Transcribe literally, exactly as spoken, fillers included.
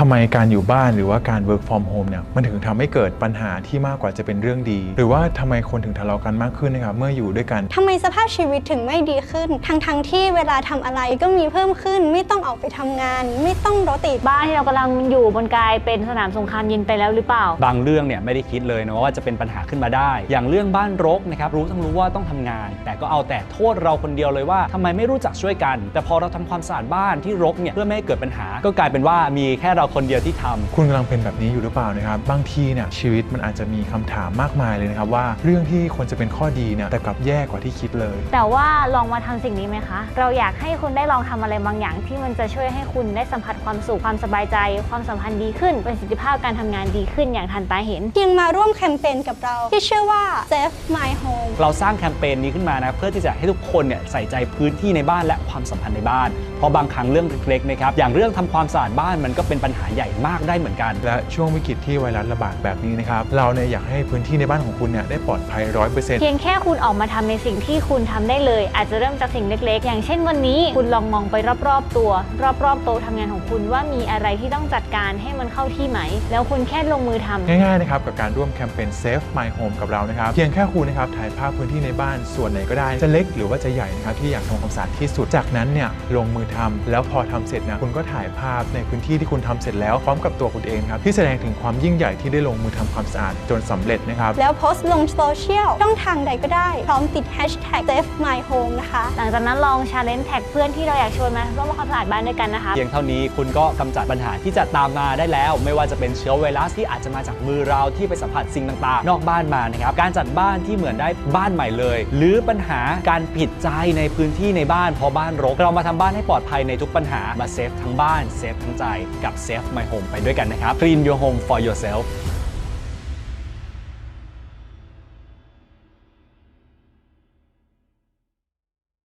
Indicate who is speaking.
Speaker 1: ทำไมการอยู่บ้านหรือว่าการ work from home เนี่ยมันถึงทำให้เกิดปัญหาที่มากกว่าจะเป็นเรื่องดีหรือว่าทำไมคนถึงทะเลาะกันมากขึ้นนะครับเมื่ออยู่ด้วยกัน
Speaker 2: ทำไมสภาพชีวิตถึงไม่ดีขึ้นทั้งทั้งที่เวลาทำอะไรก็มีเพิ่มขึ้นไม่ต้องออกไปทำงานไม่ต้องรถติด
Speaker 3: บ้านที่เรากำลังอยู่บนกลายเป็นสนามสงครามเย็นไปแล้วหรือเปล่า
Speaker 4: บางเรื่องเนี่ยไม่ได้คิดเลยนะว่าจะเป็นปัญหาขึ้นมาได้อย่างเรื่องบ้านรกนะครับรู้ทั้งรู้ว่าต้องทำงานแต่ก็เอาแต่โทษเราคนเดียวเลยว่าทำไมไม่รู้จักช่วยกันแต่พอเราทำความสะอาดบ้านที่รกเนี่ยเพื่อไม่ให้เกิดปัญหาก็กลายเป็นว่ามีแค่เราคนเดียวที่ทำ
Speaker 1: คุณกำลังเป็นแบบนี้อยู่หรือเปล่านะครับบางทีเนี่ยชีวิตมันอาจจะมีคำถามมากมายเลยนะครับว่าเรื่องที่ควรจะเป็นข้อดีเนี่ยแต่กลับแย่กว่าที่คิดเลย
Speaker 3: แต่ว่าลองมาทำสิ่งนี้ไหมคะเราอยากให้คุณได้ลองทำอะไรบางอย่างที่มันจะช่วยให้คุณได้สัมผัสความสุขความสบายใจความสัมพันธ์ดีขึ้นประสิทธิภาพการทำงานดีขึ้นอย่างทันตาเห็น
Speaker 2: เพียงมาร่วมแคมเปญกับเราที่ชื่อว่า Save My Home
Speaker 4: เราสร้างแคมเปญนี้ขึ้นมานะเพื่อที่จะให้ทุกคนเนี่ยใส่ใจพื้นที่ในบ้านและความสัมพันธ์ในบ้านเพราะบางครั้งเรื่องเล็กๆนะครับอย่างเรื่องทำความสะอาดบ้านมันก็เป็นปัญหาใหญ่มากได้เหมือนกัน
Speaker 1: และช่วงวิกฤตที่ไวรัสระบาดแบบนี้นะครับเราเนี่ยอยากให้พื้นที่ในบ้านของคุณเนี่ยได้ปลอดภัย ร้อยเปอร์เซ็นต์
Speaker 3: เพียงแค่คุณออกมาทำในสิ่งที่คุณทำได้เลยอาจจะเริ่มจากสิ่งเล็กๆอย่างเช่นวันนี้คุณลองมองไปรอบๆตัวรอบๆโต๊ะทำงานของคุณว่ามีอะไรที่ต้องจัดการให้มันเข้าที่ไหมแล้วคุณแค่ลงมือทำ
Speaker 1: ง่ายๆนะครับกับการร่วมแคมเปญ Save My Home กับเรานะครับเพียงแค่คุณนะครับถ่ายภาพพื้นที่ในบ้านส่วนไหนก็ได้จะเล็กหรือว่าจะใหญ่นะครับที่อยากทำความสะอาดที่สุดจากนั้นเนี่ยลงมือทำแล้วพอทำเสร็จนะคุณก็ถ่ายภาพในพื้นที่ที่คุณทำเสร็จแล้วพร้อมกับตัวคุณเองครับที่แสดงถึงความยิ่งใหญ่ที่ได้ลงมือทำความสะอาดจนสำเร็จนะครับ
Speaker 2: แล้วโพสต์ลงโซเชียลช่องทางใดก็ได้พร้อมติด แฮชแท็ก เซฟ มาย โฮม นะคะ
Speaker 3: หลังจากนั้นลอง ชาเลนจ์ แท็กเพื่อนที่เราอยากชวนมาร่วมความสะอาดบ้านด้วยกันนะคะ
Speaker 4: เพียงเท่านี้คุณก็กำจัดปัญหาที่จะตามมาได้แล้วไม่ว่าจะเป็นเชื้อไวรัสที่อาจจะมาจากมือเราที่ไปสัมผัสสิ่งต่างๆนอกบ้านมานะครับการจัดบ้านที่เหมือนได้บ้านใหม่เลยหรือปัญหาการผิดใจในพื้นที่ในบ้านเพราะบ้านรกเรามาทำบ้านให้ปลอดภัยในทุกปัญหามาเซฟทั้งบ้านเซฟทั้งใจกับ Save My Home ไปด้วยกันนะครับ Clean your home for yourself